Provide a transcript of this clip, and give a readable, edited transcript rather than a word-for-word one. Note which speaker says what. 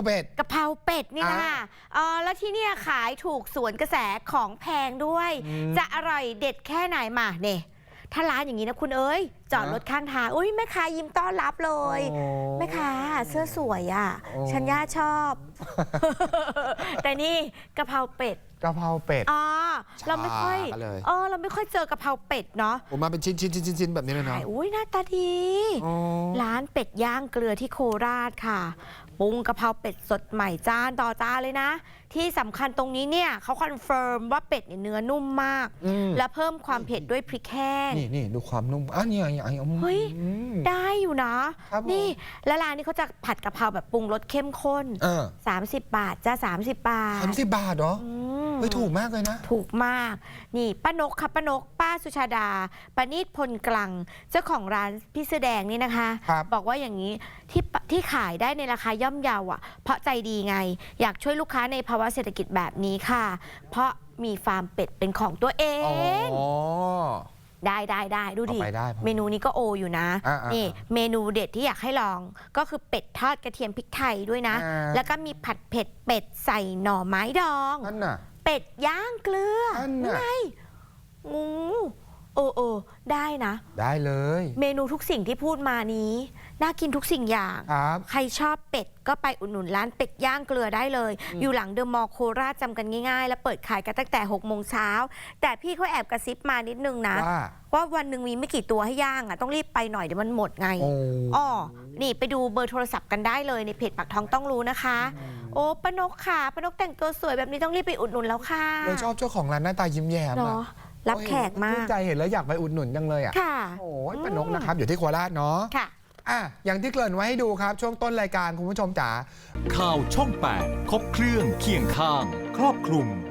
Speaker 1: เป็ด
Speaker 2: กะเพราเป็ดนี่นะคะแล้วที่เนี่ยขายถูกสวนกระแสของแพงด้วย จะอร่อยเด็ดแค่ไหนมาเนี่ยถ้าร้านอย่างนี้นะคุณเอ้ยจอดรถข้างทางอุ้ยแม่ค้ายิ้มต้อนรับเลยแม่ค้าเสื้อสวยอ่ะฉันย่าชอบ แต่นี่กะเพราเป็ด
Speaker 1: กะเพราเป็ด
Speaker 2: เราไม่ค่อยเราไม่ค่อยเจอกะเพราเป็ดเนาะ
Speaker 1: ผมมาเป็นชิ้นแบบนี้เลยเนาะ
Speaker 2: อุ้ยหน้าตาดีร้านเป็ดย่างเกลือที่โคราชค่ะปรุงกะเพราเป็ดสดใหม่จานต่อจานเลยนะที่สำคัญตรงนี้เนี่ยเขาคอนเฟิร์มว่าเป็ดเนื้อนุ่มมากและเพิ่มความเผ็ดด้วยพริกแห้ง
Speaker 1: นี่ดูความนุ่มนี่
Speaker 2: เฮ้ยได้อยู่นะนี่และร้านนี้เขาจะผัดกะเพราแบบปรุงรสเข้มข้น30 บาทจ้า30 บาท
Speaker 1: 30 บาทเหรอเฮ้ยถูกมากเลยนะ
Speaker 2: ถูกมากนี่ป้านกค่ะป้านกป้าสุชาดาปณิชพลกลังเจ้าของร้านพี่เสื้อแดงนี่นะคะบอกว่าอย่างนี้ที่ขายได้ในราคาย่อมเยาอ่ะเพราะใจดีไงอยากช่วยลูกค้าในภาวะเศรษฐกิจแบบนี้ค่ะเพราะมีฟาร์มเป็ดเป็นของตัวเองได้ดูดิเมนูนี้ก็โออยู่นะนี่เมนูเด็ดที่อยากให้ลองก็คือเป็ดทอดกระเทียมพริกไทยด้วยนะแล้วก็มีผัดเผ็ดเป็ดใส่หน่อไม้ดองเป็ดย่างเกลือนี่ไงงูได้นะ
Speaker 1: ได้เลย
Speaker 2: เมนูทุกสิ่งที่พูดมานี้น่ากินทุกสิ่งอย่างใครชอบเป็ดก็ไปอุดหนุนร้านเป็ดย่างเกลือได้เลยอยู่หลังเดอะมอลล์โคราชจำกันง่ายๆแล้วเปิดขายกันตั้งแต่6 โมงเช้าแต่พี่เขาแอบกระซิบมานิดนึงนะว่าวันหนึ่งมีไม่กี่ตัวให้ย่างอ่ะต้องรีบไปหน่อยเดี๋ยวมันหมดไงนี่ไปดูเบอร์โทรศัพท์กันได้เลยในเพจปากท้องต้องรู้นะคะโอ้ป้านกค่ะป้านกแต่งตัวสวยแบบนี้ต้องรีบไปอุดหนุนแล้วค่ะ
Speaker 1: เราชอบเจ้าของร้านหน้าตายิ้มแย้ม
Speaker 2: รับแขกมาก
Speaker 1: ใจเห็นแล้วอยากไปอุดหนุนจังเลยอ่ะโอ้ยป้านกนะครับอยู่ที่โคราชเนาะอย่างที่เกริ่นไว้ให้ดูครับช่วงต้นรายการคุณผู้ชมจ๋า
Speaker 3: ข่าวช่อง 8 ครบเครื่องเคียงข้างครอบคลุม